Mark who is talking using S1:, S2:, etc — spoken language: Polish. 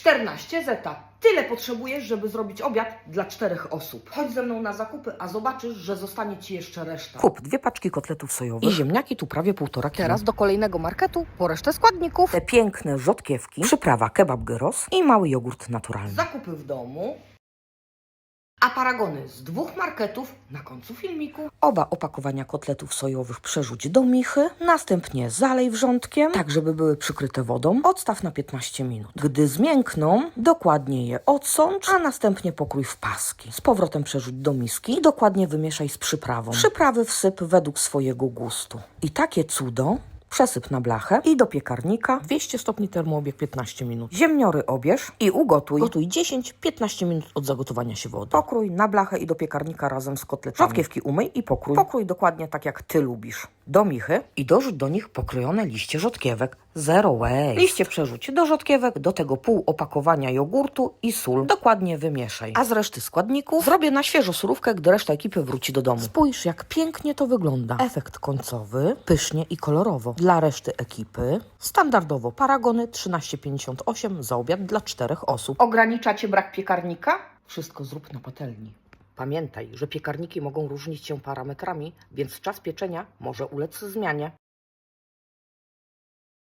S1: 14 zeta. Tyle potrzebujesz, żeby zrobić obiad dla 4 osób. Chodź ze mną na zakupy, a zobaczysz, że zostanie Ci jeszcze reszta.
S2: Kup 2 paczki kotletów sojowych
S1: I ziemniaki tu prawie 1,5 kg.
S2: Teraz
S1: do kolejnego marketu po resztę składników.
S2: te piękne rzodkiewki, przyprawa kebab gyros i mały jogurt naturalny.
S1: Zakupy w domu. A paragony z 2 marketów na końcu filmiku.
S2: Oba opakowania kotletów sojowych przerzuć do michy, następnie zalej wrzątkiem, tak żeby były przykryte wodą. Odstaw na 15 minut. Gdy zmiękną, dokładnie je odsącz, a następnie pokrój w paski. Z powrotem przerzuć do miski i dokładnie wymieszaj z przyprawą. Przyprawy wsyp według swojego gustu. I takie cudo przesyp na blachę i do piekarnika.
S1: 200 stopni termoobieg 15 minut.
S2: Ziemniory obierz i ugotuj.
S1: Gotuj 10-15 minut od zagotowania się wody.
S2: Pokrój na blachę i do piekarnika razem z kotletami. Rzodkiewki umyj i pokrój. Pokrój dokładnie tak, jak Ty lubisz. Do michy i dorzuć do nich pokrojone liście rzodkiewek. Zero waste. Liście przerzuć do rzodkiewek, do tego pół opakowania jogurtu i sól. Dokładnie wymieszaj. A z reszty składników zrobię na świeżo surówkę, gdy reszta ekipy wróci do domu.
S1: Spójrz, jak pięknie to wygląda.
S2: Efekt końcowy, pysznie i kolorowo. Dla reszty ekipy standardowo paragony 13,58 za obiad dla 4 osób.
S1: Ograniczacie brak piekarnika? Wszystko zrób na patelni. Pamiętaj, że piekarniki mogą różnić się parametrami, więc czas pieczenia może ulec zmianie.